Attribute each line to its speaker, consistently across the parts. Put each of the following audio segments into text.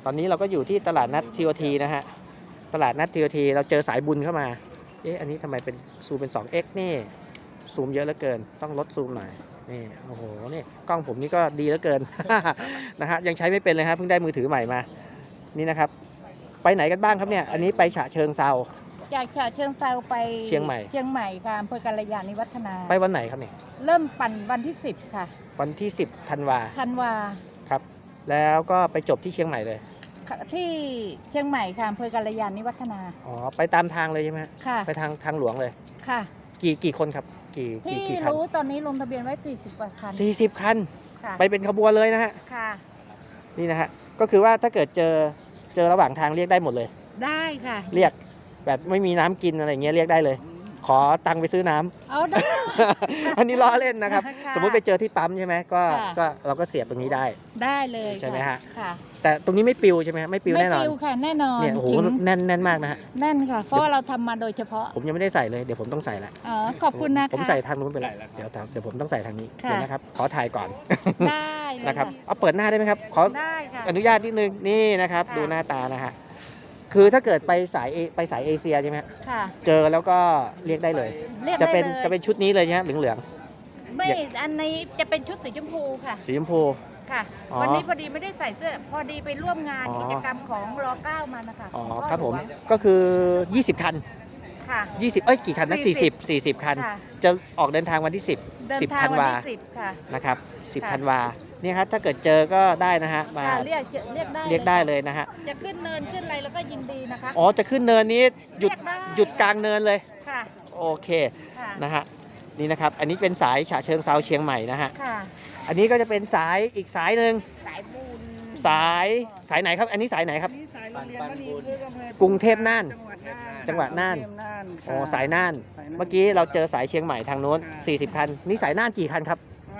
Speaker 1: ตอนนี้เราก็อยู่ที่ตลาดนัดทีโอทีนะฮะตลาดนัดทีโอทีเราเจอสายบุญเข้ามาอันนี้ทำไมเป็นซูมเป็น 2x นี่ซูมเยอะเหลือเกินต้องลดซูมหน่อยนี่โอ้โหนี่กล้องผมนี่ก็ดีเหลือเกิน นะฮะยังใช้ไม่เป็นเลยครับเพิ่งได้มือถือใหม่มานี่นะครับไปไหนกันบ้างครับเนี่ยอันนี้ไปฉะเชิงเซา
Speaker 2: จากฉะเชิงเซาไป
Speaker 1: เชียงใหม่
Speaker 2: ค่ะอำเภอกัลยาณิวัฒนา
Speaker 1: ไปวันไหนครับเนี่ย
Speaker 2: เริ่มปั่นวันที่10ค่ะ
Speaker 1: วันที่10ธันวาครับแล้วก็ไปจบที่เชียงใหม่เลย
Speaker 2: ที่เชียงใหม่ค่ะอำเภอกัลยาณิวัฒนา
Speaker 1: อ๋อไปตามทางเลยใช่ไหม
Speaker 2: ค่ะ
Speaker 1: ไปทางหลวงเลย
Speaker 2: ค่ะ
Speaker 1: กี่คนครับกี่
Speaker 2: ที่รู้ตอนนี้ลงทะเบียนไว้40กว่าคัน
Speaker 1: 40 คันไปเป็นขบวนเลยนะฮะ
Speaker 2: ค่ะ
Speaker 1: นี่นะฮะก็คือว่าถ้าเกิดเจอระหว่างทางเรียกได้หมดเลย
Speaker 2: ได้ค่ะ
Speaker 1: เรียกแบบไม่มีน้ำกินอะไรเงี้ยเรียกได้เลยขอตังค์ไปซื้อน้ำ
Speaker 2: เอาได้
Speaker 1: อันนี้ล้อเล่นนะครับสมมุติไปเจอที่ปั๊มใช่ไหมก็เราก็เสียบตรงนี้ได้
Speaker 2: เลย
Speaker 1: ใช่ไหมฮะ
Speaker 2: ค่ะ
Speaker 1: แต่ตรงนี้ไม่ปิวใช่ไหมไม่ปิวแน่นอน
Speaker 2: ไม่ปิวค่ะแน่นอน
Speaker 1: เนี่ยโอ้โหแน่นมากนะฮะ
Speaker 2: แน่นค่ะเพราะว่าเราทำมาโดยเฉพาะ
Speaker 1: ผมยังไม่ได้ใส่เลยเดี๋ยวผมต้องใส่ละ
Speaker 2: อ๋อขอบคุณนะคะ
Speaker 1: ผมใส่ทางนู้นไปแล้วเดี๋ยวผมต้องใส่ทางนี้เดี๋ยวนะครับขอถ่ายก่อน
Speaker 2: ได้
Speaker 1: นะครับเอาเปิดหน้าได้ไหมครับขออนุญาตนิดนึงนี่นะครับดูหน้าตานะฮะคือถ้าเกิดไปสายเอเชียใช่ไหมค่ะเจอแล้วก็เรียกได้เลยจะเป็นชุดนี้เลยนะเหลือง
Speaker 2: ไม่อันนี้จะเป็นชุดสีชมพูค่ะ
Speaker 1: สีชมพู
Speaker 2: ค่ะวันนี้พอดีไม่ได้ใส่เสื้อพอดีไปร่วมงานกิจกรรมของร9มานะคะ
Speaker 1: อ๋อครับผมก็คือ20 คัน
Speaker 2: ค่ะ
Speaker 1: 20กี่คันนะ40 คันจะออกเดินทางวันที่10ธันวานะครับ10ธันวานี่ครับถ้าเกิดเจอก็ได้นะฮะมา
Speaker 2: เรียก
Speaker 1: ได้เลยนะฮะ
Speaker 2: จะขึ้นเนินขึ้นอะไรแล้วก็ยินดีนะคะ
Speaker 1: อ๋อจะขึ้นเนินนี้หยุดกลางเนินเลย
Speaker 2: ค่ะ
Speaker 1: โอเคนะฮะนี่นะครับอันนี้เป็นสายฉะเชิงเซาเชียงใหม่นะฮะอันนี้ก็จะเป็นสายอีกสายหนึ่ง
Speaker 2: สายบุญ
Speaker 1: สายไหนครับอันนี้สายไหนครับกรุงเทพน่านจังหวัดน่านอ๋อสายน่านเมื่อกี้เราเจอสายเชียงใหม่ทางโน้น40 คันนี่สายน่านกี่คันครับ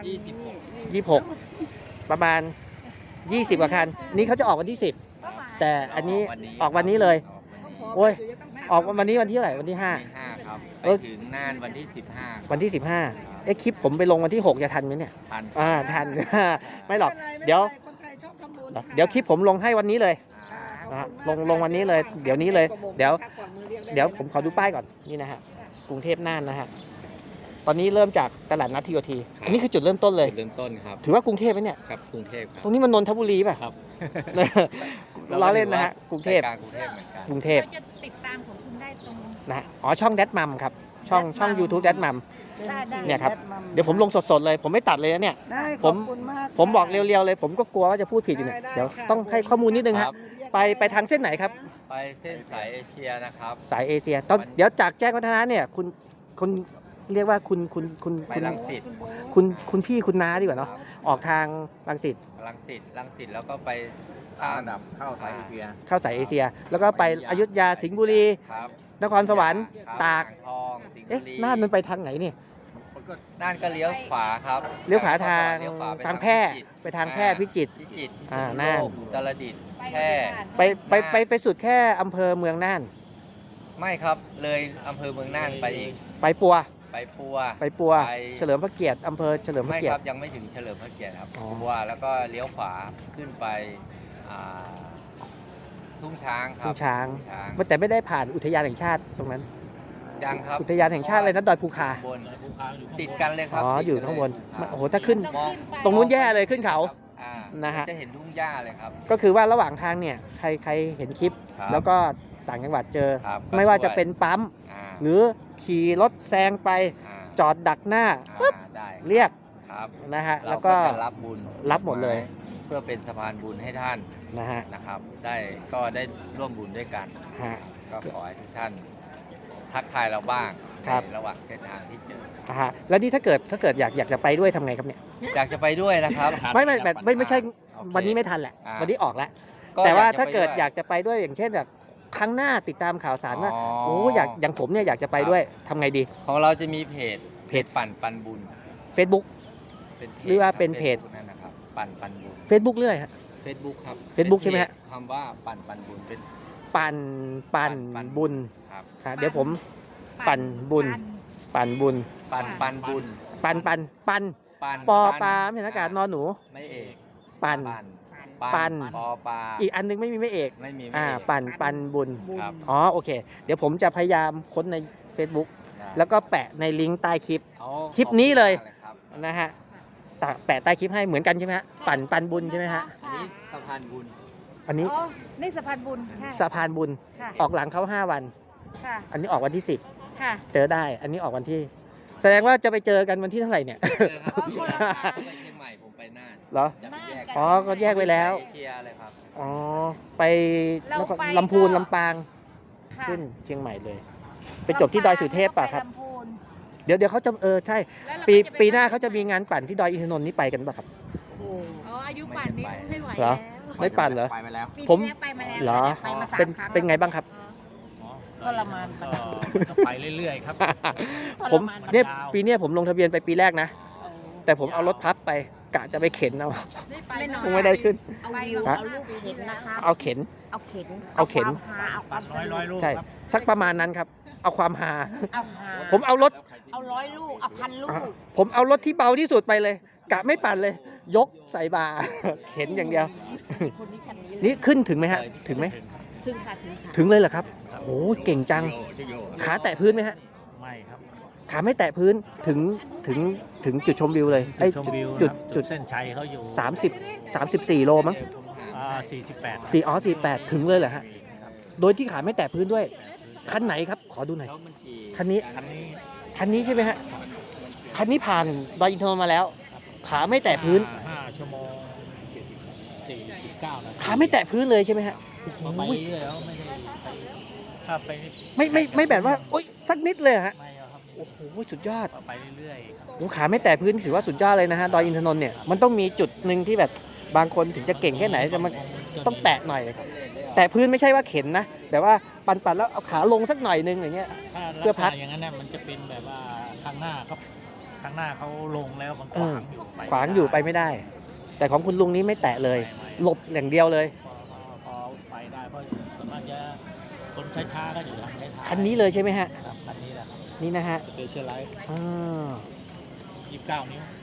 Speaker 1: 26ประมาณ20 กว่าคันนี่เขาจะออกวันที่10แต่อันนี้ออกวันนี้เลยโอ้ยออกวันนี้วันที่เท่าไหร่วันที่5
Speaker 3: ครับไปถึงน่านวันที่15
Speaker 1: วันที่15คลิปผมไปลงวันที่6จะทันไหมเนี่ยทันไม่หรอกเดี๋ยวคลิปผมลงให้วันนี้เลยลงวันนี้เลยเดี๋ยวนี้เลยเดี๋ยวผมขอดูป้ายก่อนนี่นะฮะกรุงเทพน่านนะฮะตอนนี้เริ่มจากตลาดนัดทีโอทีอันนี้คือจุดเริ่มต้นเลย
Speaker 3: จุดเริ่มต้นครับ
Speaker 1: ถือว่ากรุงเทพไหมเนี่ย
Speaker 3: ครับกรุงเทพครับ
Speaker 1: ตรงนี้มันนนทบุรีป่ะ
Speaker 3: ครับ
Speaker 1: ล้อเล่นนะฮะกรุงเทพกรุงเทพ
Speaker 2: จะติดตามของคุณได้ตรง
Speaker 1: นะอ๋อช่องแดดมัมครับช่อง YouTube แดดมัมเนี่ยครับเดี๋ยวผมลงสดๆเลยผมไม่ตัดเลยนะเนี่ยผมบอกเร็วๆเลยผมก็กลัวว่าจะพูดผิดอยู่เนี่ยเดี๋ยวต้องให้ข้อมูลนิดนึงครับไปทางเส้นไหนครับ
Speaker 3: ไปเส้นสายเอเชียนะครับ
Speaker 1: สายเอเชียตอนเดี๋ยวจากแจ้งวัฒนะเนี่ยคุณเรียกว่า
Speaker 3: ไปรังสิต
Speaker 1: คุณพี่คุณน้าดีกว่าเนาะออกทางรังสิต
Speaker 3: แล้วก็ไป
Speaker 4: ระดับเข้าสายเอเชีย
Speaker 1: แล้วก็ไปอยุธยาสิงห์บุรีนครสวรรค์ตาก
Speaker 3: ทองสิงห์บุรี
Speaker 1: น่านมันไปทางไหนเนี่ย
Speaker 3: น่านก็เลี้ยวขวาครับ
Speaker 1: เลี้ยวขวาทางแพร่ไปทางแพร่พิจิตร
Speaker 3: น่านอุตรดิตถ์แพร่
Speaker 1: ไปสุดแค่อำเภอเมืองน่าน
Speaker 3: ไม่ครับเลยอำเภอเมืองน่านไปอีก
Speaker 1: ไปปัวเฉลิมพระเกียรติอำเภอเฉลิมพระเกียรติ
Speaker 3: ไม่ครับยังไม่ถึงเฉลิมพระเกียรติครับปัวแล้วก็เลี้ยวขวาขึ้นไปทุ่งช้างครับ
Speaker 1: ทุ่งช้างแต่ไม่ได้ผ่านอุทยานแห่งชาติตรงนั้น
Speaker 3: ยังครับ
Speaker 1: อุทยานแห่งชาติอะไรนะดอยภูคา
Speaker 3: ติดกันเลยครับ
Speaker 1: อยู่ข้างบนโอ้โหถ้าขึ้นตรงนู้นแย่เลยขึ้นเขานะฮะ
Speaker 3: จะเห็นทุ่งหญ้าเลยครับ
Speaker 1: ก็คือว่าระหว่างทางเนี่ยใครเห็นคลิปแล้วก็ต่างจังหวัดเจอไม่ว่าจะเป็นปั๊มหรือขี่รถแซงไปจอดดักหน้าปุ๊บเรียกนะฮะแล้วก็
Speaker 3: รับบุญ
Speaker 1: รับหมดเลย
Speaker 3: เพื่อเป็นสะพานบุญให้ท่านนะครับได้ร่วมบุญด้วยกันก็ขอให้ทุกท่านทักทายเราบ้างระหว่างเส้นทางที่เจอ
Speaker 1: แล้วนี่ถ้าเกิดอยากจะไปด้วยทำไงครับเนี่ย
Speaker 3: อยากจะไปด้วยนะครับ
Speaker 1: ไม่ใช่วันนี้ไม่ทันแหละวันนี้ออกแล้วแต่ว่าถ้าเกิดอยากจะไปด้วยอย่างเช่นแบบครั้งหน้าติดตามข่าวสารว่าโอ้อย่างผมเนี่ยอยากจะไปด้วยทำไงดี
Speaker 3: ของเราจะมีเพจปั่นบุญ
Speaker 1: Facebook หรือว่าเป็นเพจ
Speaker 3: นั่นนะครับปั่นบุญ
Speaker 1: Facebook เรื่อยฮะ
Speaker 3: Facebook ครับ
Speaker 1: Facebook ใช่ไหมฮะ
Speaker 3: คำว่าปั่นบุญเป็น
Speaker 1: ปั่นบุญครับเดี๋ยวผมปั่นบุญ
Speaker 3: ปั่นบุญ
Speaker 1: ปอปลาไม่เห็นอากาศนอนหนู
Speaker 3: ไม่เอก
Speaker 1: ปั่นปัน
Speaker 3: ปอปลา
Speaker 1: อีกอันนึงไม่มีไม่เอก
Speaker 3: ไม่มี
Speaker 1: ปันบุญ
Speaker 3: ครับ
Speaker 1: อ๋อโอเค เดี๋ยวผมจะพยายามค้นใน Facebook แล้วก็แปะในลิงก์ใต้คลิป
Speaker 3: เอา
Speaker 1: คลิปนี้เลย
Speaker 3: ขอบคุณมากครับ
Speaker 1: นะฮะแปะใต้คลิปให้เหมือนกันใช่ไหมฮะปันบุญใช่ไหมฮะ
Speaker 3: อันนี้สะพานบุญ
Speaker 1: อันนี้
Speaker 2: อ๋อนี่สะพานบุญใช่
Speaker 1: สะพานบุญ
Speaker 2: ค่ะ
Speaker 1: ออกหลังเขา5 วัน
Speaker 2: ค่ะ
Speaker 1: อันนี้ออกวันที่
Speaker 2: ค่ะ
Speaker 1: 10 เจอได้ อันนี้ออกวันที่ แสดงว่าจะไปเจอกันวันที่เท่าไหร่เนี่ย
Speaker 3: เจอครับ
Speaker 2: อ๋อคนละทาง
Speaker 3: ไปเชียงใหม่ผมไปน่าน
Speaker 1: เหรอ
Speaker 3: จะไปแยก
Speaker 1: อ๋อก็แยกไว้แล้ว
Speaker 3: เอเชียเลยครับ
Speaker 1: อ๋อ ไป
Speaker 2: เราไป
Speaker 1: ลำพูน
Speaker 2: ก็
Speaker 1: ลำปาง
Speaker 2: ค่ะ
Speaker 1: ขึ้นเชียงใหม่เลย ไปจบที่ดอยสุเทพป่ะครับ
Speaker 2: ลำพูน
Speaker 1: เดี๋ยวเขาจะใช่
Speaker 2: แล้วเรา
Speaker 1: ปี
Speaker 2: ก็จะไ
Speaker 1: ปีหน้าเขาจะมีงานปั่นที่ดอยอินทนนท์นี่ไปกันป่ะครับ
Speaker 2: อ๋ออายุป่านนี้ไม่ไหว
Speaker 1: เหรอ
Speaker 2: แล้ว
Speaker 1: ไม่ปั่นเหรอ
Speaker 4: ไปมาแล้ว
Speaker 2: ปี
Speaker 1: ผม
Speaker 2: ที่แล้วไปมาแล้ว
Speaker 1: เหรอ
Speaker 2: ไปมาสาม
Speaker 1: เป็น
Speaker 2: ครั้ง
Speaker 1: เป็นไงบ้างครับ
Speaker 2: ทรมาน
Speaker 5: ก็ไปเรื่อยๆครับ
Speaker 1: ผม
Speaker 2: ทรมาน
Speaker 1: เนี่ย
Speaker 5: ยาว
Speaker 1: ปีเนี้ยผมลงทะเบียนไปปีแรกนะ แต่ผมเอารถพับไปกะจะไปเข็นเอา
Speaker 2: ไม่น้อย
Speaker 1: ไม่ได้ขึ้น
Speaker 2: เอาวิว
Speaker 1: ฮะ
Speaker 2: เอาลูกเข็นนะคะ
Speaker 1: เอาเข็น
Speaker 2: เอาเข็น
Speaker 1: เอาเข็น
Speaker 2: ความฮาเอาความส
Speaker 5: ร้อย
Speaker 2: นุก
Speaker 5: ลูก
Speaker 1: ใช่
Speaker 5: ครับ
Speaker 1: สักประมาณนั้นครับ เอาความฮา
Speaker 2: เอาฮา
Speaker 1: ผมเอารถ
Speaker 2: เอา100 ลูกเอา1,000 ลูก
Speaker 1: ผมเอารถที่เบาที่สุดไปเลย กะไม่ปั่นเลย ยกใส่บา เข็นอย่างเดียว
Speaker 2: คนนี้คันนี้
Speaker 1: นี่ขึ้นถึงไหมฮะ ถึงไหม
Speaker 2: ถึงค่ะถึงค่ะ
Speaker 1: ถึงเลยเหรอครับโหเก่งจัง
Speaker 4: ชื่อโย
Speaker 1: ขาแตะพื้นไหมฮะ
Speaker 5: ไม่ครับ
Speaker 1: ขาไม่แตะพื้นถึงถึงจุดชมวิวเลยไอ้
Speaker 5: ชมวิว
Speaker 1: จุด
Speaker 5: ครับ
Speaker 1: จุด
Speaker 5: เส้นชัยเขาอยู่
Speaker 1: 34 โลมั้ง
Speaker 5: 48
Speaker 1: 48 ถึงเลยเหรอฮะ โดยที่ขาไม่แตะพื้นด้วย คันไหนครับ ขอดูหน่อย
Speaker 3: แล้วมันกี่
Speaker 1: คันนี้
Speaker 5: คันนี้
Speaker 1: คันนี้ใช่ไหมฮะ คันนี้ผ่านดอยอินทนนท์มาแล้ว ขาไม่แตะพื้น
Speaker 5: 5 ชั่วโมง49 นาที
Speaker 1: ขาไม่แตะพื้นเลยใช่ไหมฮะ
Speaker 5: ก็ไป
Speaker 1: โอ้ย
Speaker 5: เรื่อยแล้วไม่ได้ไปถ้าไป
Speaker 1: ไม่แบบว่าโอ๊ยสักนิดเลยเหรอฮะ
Speaker 5: ไม่เอาครับ
Speaker 1: โอ้โหสุดยอด
Speaker 5: ก็ไปเรื่อยๆครับ
Speaker 1: โอ้ขาไม่แตะพื้นถือว่าสุดยอดเลยนะฮะดอยอินทนนท์เนี่ยมันต้องมีจุดหนึ่งที่แบบบางคนถึงจะเก่งแค่ไหนจะมันต้องแตะหน่อยแตะพื้นไม่ใช่ว่าเข็นนะแบบว่าปั่นแล้วเอาขาลงสักหน่อยนึงอย่างเงี้ย
Speaker 5: ถ้า
Speaker 1: เพื่อพัก
Speaker 5: ลัษณะอย่างนั้นน่ะมันจะเป็นแบบว่าข้างหน้าครับข้างหน้าเขาลงแล้วมันขวางอยู่
Speaker 1: ขวางอยู่ไปไม่ได้ แต่ของคุณลุงนี้ไม่แตะเลย หลบอย่างเดียวเลย
Speaker 5: พอไปได้เพราะส่วนมากจะคนช้าๆก็อยู่ทางท้ายๆ
Speaker 1: คันนี้เลยใช่ไหมฮะ
Speaker 5: ครับคันนี้แหละครับ
Speaker 1: นี่นะฮะ
Speaker 5: สเปเชียลไลท์
Speaker 1: อ่า
Speaker 5: 29 นิ้ว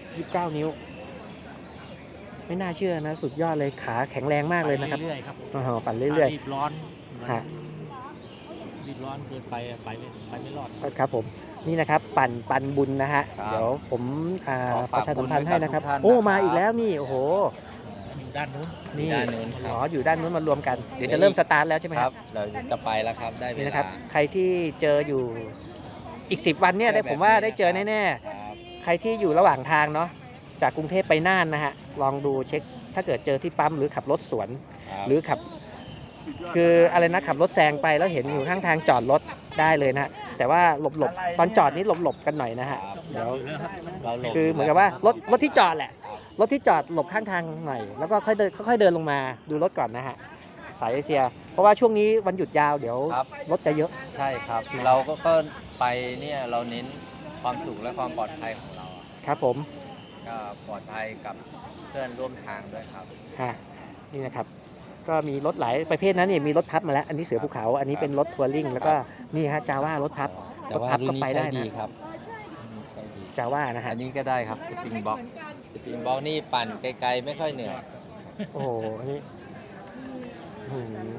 Speaker 1: 29 นิ้ว ไม่น่าเชื่อนะ สุดยอดเลยขาแข็งแรงมากเลยนะครับ
Speaker 5: ไปเรื่อยๆครับ
Speaker 1: อ๋อปั่นเรื่อย
Speaker 5: รีบร้อน
Speaker 1: ฮะ
Speaker 5: รีบร้อนเกินไปอะไปไม่รอด
Speaker 1: ๆครับผมนี่นะครับปั่นบุญนะฮะ
Speaker 3: ครับ
Speaker 1: เดี๋ยวผม
Speaker 3: ขอ
Speaker 1: ป
Speaker 3: ฝาก
Speaker 1: ระชาสัมพันธ์ให้นะครับ
Speaker 3: บุญไว้กับทุกท่าน
Speaker 1: โอ้
Speaker 3: นะครับ
Speaker 1: มาอีกแล้วนี่โอ้โห
Speaker 5: อยู่ด้านนู้น
Speaker 1: นี่
Speaker 3: ด้านนู้นครับ
Speaker 1: อ๋ออยู่ด้านนู้นมารวมกัน เดี๋ยวจะเริ่มสตาร์ทแล้วใช่ไหม
Speaker 3: ค
Speaker 1: ค
Speaker 3: รั
Speaker 1: รั
Speaker 3: บบ เราจะไปแล้วครับได้เว
Speaker 1: นี่
Speaker 3: ลา
Speaker 1: นะครับ ใครที่เจออยู่อีก 10 วันเนี่ยได้ผมว่าได้เจอแน่ๆ
Speaker 3: ครับ
Speaker 1: ใครที่อยู่ระหว่างทางเนาะจากกรุงเทพไปน่านนะฮะลองดูเช็คถ้าเกิดเจอที่ปั๊มหรือขับรถสวน หรือขับคืออะไรนะขับรถแซงไปแล้วเห็นอยู่ข้างทางจอดรถได้เลยนะฮะแต่ว่าหลบตอนจอดนี้หลบกันหน่อยนะฮะ
Speaker 3: ครับ
Speaker 1: เดี๋ยว
Speaker 3: เราหลบ
Speaker 1: คือเหมือนกับว่ารถที่จอดแหละรถที่จอดหลบข้างทางหน่อยแล้วก็ค่อยเดินลงมาดูรถก่อนนะฮะสายเอเชีย เพราะว่าช่วงนี้วันหยุดยาวเดี๋ยว
Speaker 3: ครับ
Speaker 1: รถจะเยอะ
Speaker 3: ใช่ครับ เราก็ไปเนี่ยเราเน้นความสุขและความปลอดภัยของเราอะ
Speaker 1: ครับผม
Speaker 3: ก็ปลอดภัยกับเพื่อนร่วมทางด้วยครับ
Speaker 1: ฮะนี่นะครับก็มีรถหลายประเภทนะนี่มีรถพับมาแล้วอันนี้เสือภูเขาอันนี้เป็นรถทัวริงแล้วก็นี่ฮะจาว่ารถพับ
Speaker 3: แต่ว่าร
Speaker 1: ถพับ
Speaker 3: รุ่
Speaker 1: ก็
Speaker 3: นนี้
Speaker 1: ไปได้
Speaker 3: ใช้
Speaker 1: นะ
Speaker 3: ดีครับรุ่นนี้ใช้ดี
Speaker 1: จาว่านะฮะ
Speaker 3: อันนี้ก็ได้ครับสปริงบ็อกสปริงบ็อกนี่ปั่นไกลๆไม่ค่อยเหนื่อย
Speaker 1: โอ้โหอันนี้อื้อหือ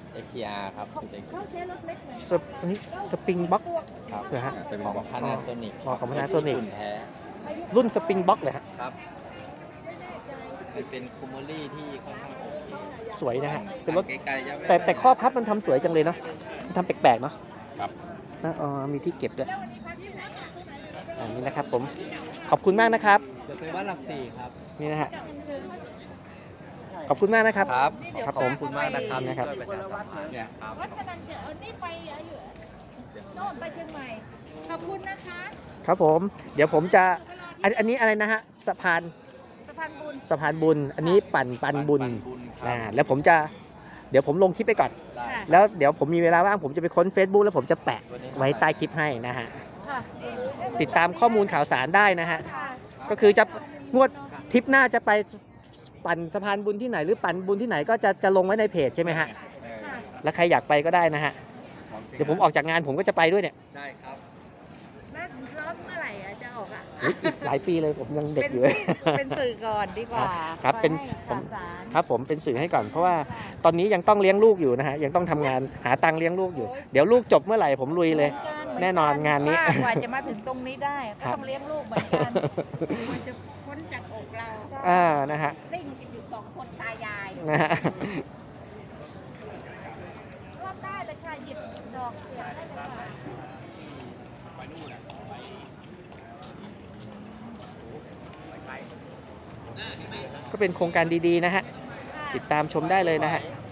Speaker 3: FTR ครับจุด
Speaker 1: อันนี้สปริงบ็อก
Speaker 3: ครับ
Speaker 1: เหรอฮะ
Speaker 3: เป็นของ Panasonic
Speaker 1: อ๋อของ Panasonic
Speaker 3: รุ่นแท้
Speaker 1: รุ่นสปริงบ็อกเลยฮะ
Speaker 3: ครับมันเป็นคูโมลี่ที่ค่อนข้างโอเค
Speaker 1: สวยนะฮะเป็นรถ
Speaker 3: ไกลๆจะไม่
Speaker 1: แต่ข้อพับมันทำสวยจังเลยเนาะมันทำแปลกๆเนาะ
Speaker 3: ครับ
Speaker 1: นะมีที่เก็บด้วยอันนี้นะครับผมขอบคุณมากนะครับ
Speaker 3: จะไปวัดหลักสี่ครับ
Speaker 1: นี่นะฮะขอบคุณมากนะครับ
Speaker 3: ครับ
Speaker 1: ครับผม
Speaker 3: ขอบคุณมากนะครับ
Speaker 1: นะครับ
Speaker 3: ช่วยประชาสัมพันธ์ครับ
Speaker 2: วัดพนันเจอนี่ไปอยู่โน่นไปเชียงใหม่ ขอบคุณนะคะ
Speaker 1: ครับผมเดี๋ยวผมจะอันนี้อะไรนะฮะสะพาน
Speaker 2: สะพานบุญ
Speaker 1: สะพานบุญ อันนี้ปั่นบุญ
Speaker 3: ครับ
Speaker 1: แล้วผมจะเดี๋ยวผมลงคลิปไปก่อน
Speaker 3: ได้
Speaker 2: ค่ะ
Speaker 1: แล้วเดี๋ยวผมมีเวลาว่างผมจะไปค้น Facebook แล้วผมจะแปะไว้ใต้คลิปให้นะฮะ
Speaker 2: ค่ะ
Speaker 1: ติดตามข้อมูลข่าวสารได้นะฮะ
Speaker 2: ค่ะ
Speaker 1: ก็คือจะงวดทริปหน้าจะไปปั่นสะพานบุญที่ไหนหรือปั่นบุญที่ไหนก็จะลงไว้ในเพจใช่ไหมฮะ
Speaker 2: ค่ะ
Speaker 1: แล้วใครอยากไปก็ได้นะฮะ เดี๋ยวผมออกจากงานผมก็จะไปด้วยเนี่ย
Speaker 3: ได้ครับ
Speaker 2: แล้วร้อนเมื่อไหร่อะจะออกอ่ะ
Speaker 1: อุ๊ยอีกหลายปีเลยผมยังเด็กอยู่
Speaker 2: เป็นสื่อก่อนดีกว่า
Speaker 1: ครับเป็น
Speaker 2: ให้
Speaker 1: ผม
Speaker 2: ข่าวสาร
Speaker 1: ครับผมเป็นสื่อให้ก่อนเพราะว่าตอนนี้ยังต้องเลี้ยงลูกอยู่นะฮะยังต้องทำงานหาตังค์เลี้ยงลูกอยู่ เดี๋ยวลูกจบเมื่อไหร่ผมลุยเลย แน่นอนงานนี้
Speaker 2: ว่กว่าจะมาถึงตรงนี้ได้ก็
Speaker 1: ครับ
Speaker 2: ต้องเลี้ยงลูกเหมือนกันมันจะพ้นจากอกเรา
Speaker 1: นะฮะ
Speaker 2: ติ้งกันอยู่2 คนตายาย
Speaker 1: นะฮะ
Speaker 2: รอบได้เลยค่ะหยิบดอกเสียบได้เลยค่ะ
Speaker 1: ก็เป็นโครงการดีๆนะฮะติดตามชมได้เลยนะฮะ